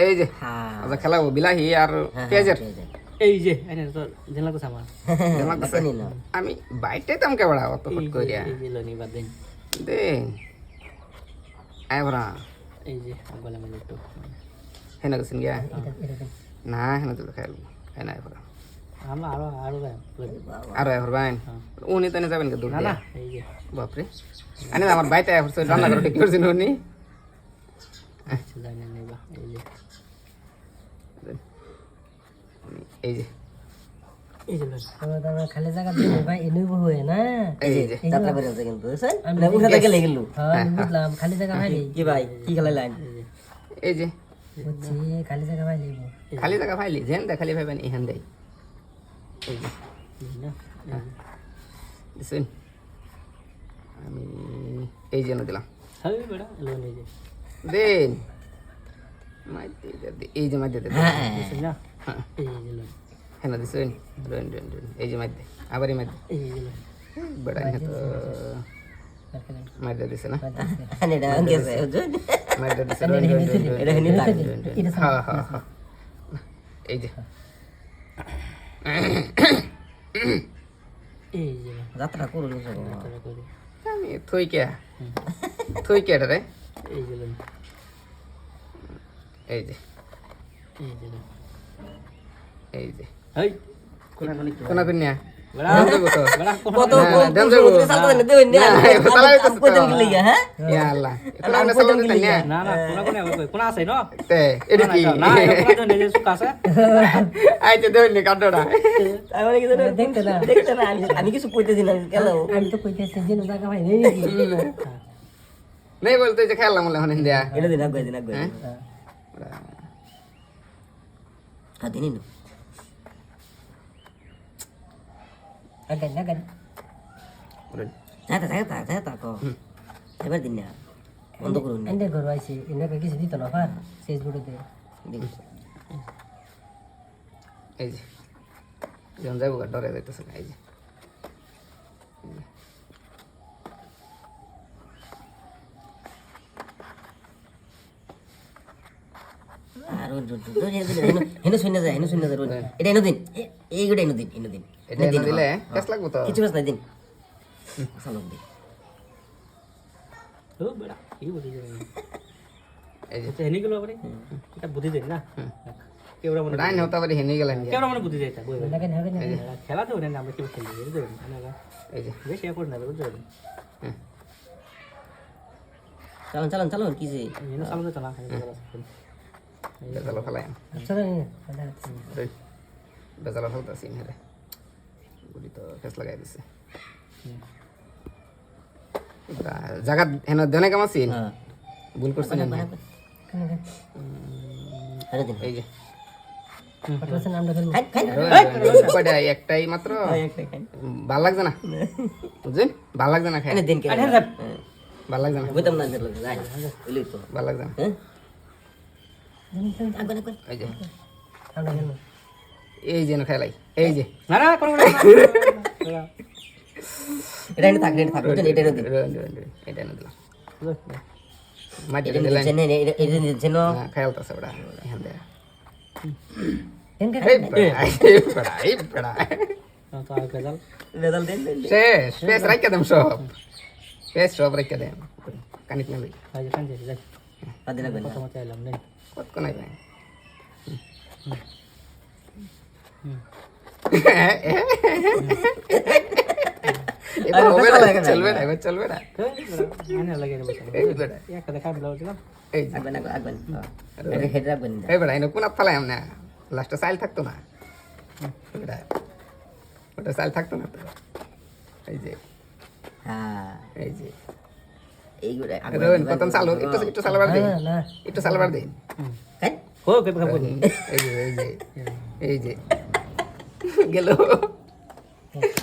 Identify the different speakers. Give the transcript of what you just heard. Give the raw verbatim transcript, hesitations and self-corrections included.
Speaker 1: এই যে
Speaker 2: হ্যাঁ
Speaker 1: আচ্ছা খেলাবো বিলাহি আর পেঁয়াজের
Speaker 3: এই যে এনে তো জেলা তো সামান
Speaker 1: জানা তো
Speaker 2: জানি না
Speaker 1: আমি বাইটে তাম কে বড়া অত ফট কইরা
Speaker 3: এই যে লনি বাদ দেন
Speaker 1: দে আয় ভরা
Speaker 3: এই যে গলা মেলে একটু
Speaker 1: হেনা গেছেন গিয়া
Speaker 2: এটা এটা দেন।
Speaker 1: না হেনা তো খাইল খাই না ভরা
Speaker 3: আমরা আরো আরো গায়
Speaker 1: আর আয় ভরবাইন উনি তো যাবেন কে দূর
Speaker 3: না না
Speaker 1: দিয়া
Speaker 3: এই যে
Speaker 1: বাপরে আনি আমার বাইতে আয় ভরছে রান্না করে ঠিক করছেন উনি
Speaker 3: আচ্ছা জানি না বা এই যে
Speaker 1: এই যে
Speaker 3: এই যে লনি
Speaker 2: তো দাদা খালি জায়গা দিলে ভাই এনুই বহে না
Speaker 1: এই যে
Speaker 2: যাত্রা করে আছে কিন্তু বুঝছেন আমরা উঠা থেকে লেগে গেল হ্যাঁ আমি বুঝলাম খালি জায়গা ভাই কি ভাই কি খেলা লাইন
Speaker 1: এই যে
Speaker 2: বুঝছি খালি জায়গা ভাই লইব
Speaker 1: খালি জায়গা ফাইলি যেন দে খালি ভাইবেন ইহান দেই এই যে
Speaker 3: এই না
Speaker 1: দিছেন আমি এই যে না দিলাম
Speaker 3: হবে বড় লনি যে
Speaker 1: দেন মাইতে দে এই যে মাইতে দে
Speaker 3: বুঝছেন না
Speaker 1: হ্যাঁ
Speaker 3: এই যে লনি
Speaker 1: হেনা দিছেন রেন রেন রেন এই যে মাইতে আবারই মাইতে
Speaker 3: এই যে লনি
Speaker 1: বড় হে তো মাইতে দিছে না
Speaker 2: আনে এটা গেছে বুঝছেন
Speaker 1: মাইতে দিছে রেন রেন রেন
Speaker 2: এটা হেনি তাক
Speaker 1: হ্যাঁ হ্যাঁ হ্যাঁ এই যে
Speaker 3: এই যে
Speaker 2: যাত্রা করুন সব
Speaker 3: তারা করে
Speaker 1: আমি থই কে থই কে রে
Speaker 3: এই যে লনি
Speaker 1: এই যে
Speaker 3: এই যে লনি
Speaker 1: এই যে
Speaker 3: এই কোনা কোনি কি
Speaker 1: কোনা কোনিয়া
Speaker 3: বড়
Speaker 1: দেন দেবো তো
Speaker 3: বড়
Speaker 2: কত
Speaker 1: না, দেন যাবো।
Speaker 2: সালতো না দেন না
Speaker 1: না, এ কথা লাগতো তো।
Speaker 2: কত দিন লাগা হ্যাঁ
Speaker 1: ইয়া আল্লাহ এটা আমরা সালাম দিতেন না
Speaker 3: না না কোনা কোনি আবার কোনা আছে না
Speaker 1: তে এটা কি
Speaker 3: না কোনা তো নিজে সুখ আছে
Speaker 1: আইতে দেন নি কাটড়া
Speaker 2: তারপরে কি জানেন
Speaker 4: দেখতে না
Speaker 2: দেখতে না আমি আমি কিছু কইতেছি না গেল
Speaker 4: আমি তো কইতেছি যে জায়গা ভাই নেই নাকি
Speaker 1: নেই বলতে যে খেললাম বলে হন ইন্ডিয়া
Speaker 2: এনে দিন আগে দিন আগে হ্যাঁ দিন না
Speaker 4: আগে না আগে
Speaker 2: যাতা যাতা যাতা কো এবার দিন না বন্ধ করুন না
Speaker 4: এন্ডে ঘর আইছি এনে কিছু দিত না পার ফেসবুকে
Speaker 2: দিন
Speaker 1: এই যে যখন যাইব ডরে যাইতেছে এই যে
Speaker 2: আর ওই দুটো হেন শুনে যায় হেন শুনে যায় এটা এনে দিন এইগুলো এনে দিন এনে দিন
Speaker 1: এটা এনে দিলে কেস লাগবো তো
Speaker 2: কিছু বাস না দিন সালাম দিন
Speaker 3: ও বড় কি বুঝি যায়
Speaker 1: এই যে
Speaker 3: আচ্ছা হেনি গেল আবার এটা বুঝি যায় না কেওড়া মনে
Speaker 1: ডাইন হতে পারে হেনে গেলেন
Speaker 3: কেওড়া মনে বুঝি যায় তা বই
Speaker 4: লাগে না লাগে
Speaker 3: খেলা তো না আমরা কেউ খেলি বুঝতে না
Speaker 1: এই যে
Speaker 3: বেশি এখন না বুঝতে
Speaker 1: হ্যাঁ
Speaker 2: চালান চালান চালান কি যে
Speaker 3: এনে সামনে চলা
Speaker 1: বেজালো ফেলাই
Speaker 4: চলো
Speaker 1: বেজালো ফেলতেছি হেরে গুলি তো কেস লাগাই দিছে জায়গা হেন দেনে কেমন আছেন
Speaker 2: হ্যাঁ
Speaker 1: ভুল করছেন না
Speaker 2: আরে দিন
Speaker 1: এই যে
Speaker 4: পাঠাছেন আমরা ফেলবো
Speaker 2: খাই খাই
Speaker 1: কয়টা একটাই মাত্র
Speaker 2: একটা খাই
Speaker 1: ভাল লাগছে না বুঝছেন ভাল লাগছে না খাই
Speaker 2: এনে দিন কে
Speaker 1: ভাল লাগছে না
Speaker 2: বুঝতাম না দিল যাই বলি তো
Speaker 1: ভাল লাগছে না
Speaker 2: হ্যাঁ আগে আগে
Speaker 1: এই যে
Speaker 4: আমরা ফেলবো
Speaker 1: এই যে না খেলাই এই যে
Speaker 3: না না করো না
Speaker 2: এটা এনে থাক এটা থাক বুঝছেন এটা এনে দিন
Speaker 1: এটা না দিলাম মাটি
Speaker 2: এটা
Speaker 1: দিলেন
Speaker 2: দিন এটা এটা দিন
Speaker 1: খেলতেছে ওটা এখান থেকে
Speaker 4: এনকে
Speaker 1: এই বড়া এই বড়া এই বড়া
Speaker 3: তো আর গেল
Speaker 2: রেজাল্ট দিন
Speaker 1: শেষ শেষ রাখা দেম সব শেষ সব রাখা দেম কানিত না ভাই
Speaker 3: আজ কান যাই যাই
Speaker 2: আদিন আগে
Speaker 3: কথা মতে এলাম নেই
Speaker 1: কত কোন নাই ভাই এবার হবে না চলবে না এবার চলবে না
Speaker 3: মানে লাগে রে বসে
Speaker 1: এই বড়া
Speaker 3: একটা দেখা দিলাম দিলাম
Speaker 1: এই যে
Speaker 2: আগে না আগে এটা হেড রাখবেন
Speaker 1: এই বড়া এনে কোন ফালাই আমনা লাস্টে সাইল থাকতো না বড়া ওটা সাইল থাকতো না তো এই যে
Speaker 2: হ্যাঁ
Speaker 1: এই যে
Speaker 2: এইগুলো
Speaker 1: রোহন প্রথম চালু একটু একটু সালবার দে
Speaker 4: না না
Speaker 1: একটু সালবার দে
Speaker 2: খাই
Speaker 3: ও কে খাবো
Speaker 1: এই যে এই যে এই যে গেল